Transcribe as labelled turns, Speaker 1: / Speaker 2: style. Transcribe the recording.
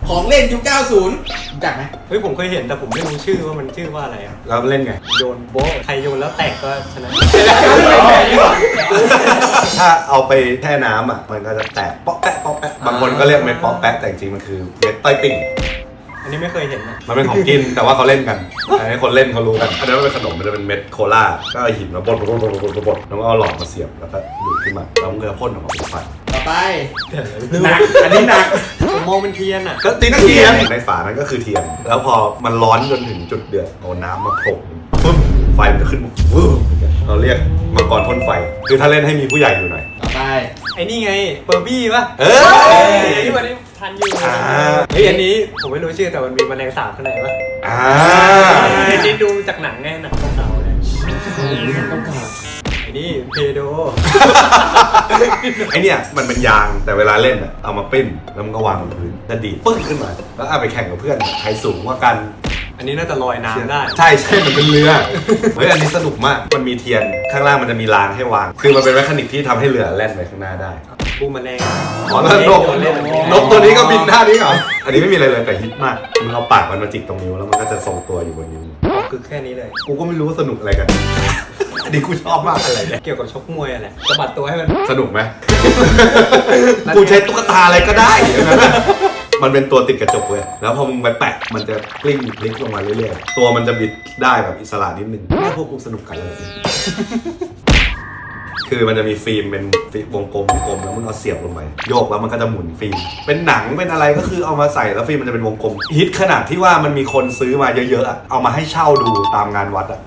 Speaker 1: ของเล่นยุค 90 รู้จักไหม
Speaker 2: เฮ้ยผมเคยเห็นแต่ผมไม่รู้ชื่อว่ามันชื่อว่าอะไรอ่ะ
Speaker 3: แล้วเล่นไง
Speaker 2: โยนโบ๊ะใครโยนแล้วแตกก็ชนะ
Speaker 3: ถ้าเอาไปแช่น้ำอ่ะมันก็จะแตกเปาะแปะเปาะแปะบางคนก็เรียกเม็ดเปาะแปะแต่จริงๆมันคือเม็ดต้อยติ่ง
Speaker 2: อันนี้ไม่เคยเห็นนะ
Speaker 3: มันเป็นของกินแต่ว่าเขาเล่นกันอันนี้คนเล่นเขารู้กันอันนี้มันเป็นขนมมันจะเป็นเม็ดโคลาก็เอาหินมาบดแล้วก็เอาหลอดมาเสียบแล้วก็ดูดขึ้นมาแล้วมันก็พ่นออกมาเป็นไฟ
Speaker 1: ต่อไปหนักอันนี้หนัก
Speaker 2: ผมมองเป็นเทียนอ่ะ
Speaker 3: ก็ตีนักเทียนในฝานั้นก็คือเทียนแล้วพอมันร้อนจนถึงจุดเดือดเอาน้ำมาโขลกปุ๊บไฟมันจะขึ้นวื้อเราเรียกมังกรพ่นไฟคือถ้าเล่นให้มีผู้ใหญ่อยู่หน่อย
Speaker 1: ต่อไป
Speaker 2: ไอ้นี่ไงเฟอร์บี้ป่ะ ที่วันนี้ทันอยู่เฮ้ยอันนี้ผมไม่รู้ชื่อแต่มันมีแมลงสาบข้างในป่ะไอ้ที่ดูจากหนังไงหนังเก่าๆเลยไอ้นี่เพโด
Speaker 3: ไอเนี่ยมันเป็นยางแต่เวลาเล่นอะเอามาปิ้นแล้วมันก็วางบนพื้นจะดีดปึ้งขึ้นมาแล้วเอาไปแข่งกับเพื่อนใครสูงกว่ากัน
Speaker 2: อันนี้น่าจะลอยน้ำได้
Speaker 3: ใช่มันเป็นเรือเฮ้ยอันนี้สนุกมากมันมีเทียนข้างล่างมันจะมีรางให้วางคือมันเป็นแมคานิกที่ทำให้เรือแล่นไปข้างหน้าได้
Speaker 2: ปูแมลง
Speaker 3: อ๋อแล้วนกตัวนี้ก็บินท่านี้เหรออันนี้ไม่มีอะไรเลยแต่ฮิตมากมึงเอาปากมันมาจิกตรงนิ้วแล้วมันก็จะทรงตัวอยู่บนนิ้ว
Speaker 2: คือแค่นี้เลย
Speaker 3: กูก็ไม่รู้ว่าสนุกอะไรกัน อันนี้กูชอบมากอะไรเนี่ย
Speaker 2: เกี่ยวกับชกมวยอะไรสะบัดตัวให้มัน
Speaker 3: สนุกไหม กูใช้ตุ๊กตาอะไรก็ได้อย่างนั้นอะมันเป็นตัวติดกระจกเลยแล้วพอมึงไปแปะมันจะกลิ้งพลิกลงมาเรื่อยๆตัวมันจะบิดได้แบบอิสระนิดนึงเนี่ยพวกกูสนุกกันเลย คือมันจะมีฟิล์มเป็นวงกลมแล้วมึงเอาเสียบลงไปโยกแล้วมันก็จะหมุนฟิล์มเป็นหนังเป็นอะไรก็คือเอามาใส่แล้วฟิล์มมันจะเป็นวงกลมฮิตขนาดที่ว่ามันมีคนซื้อมาเยอะๆอะเอามาให้เช่าดูตามงานวัดอะ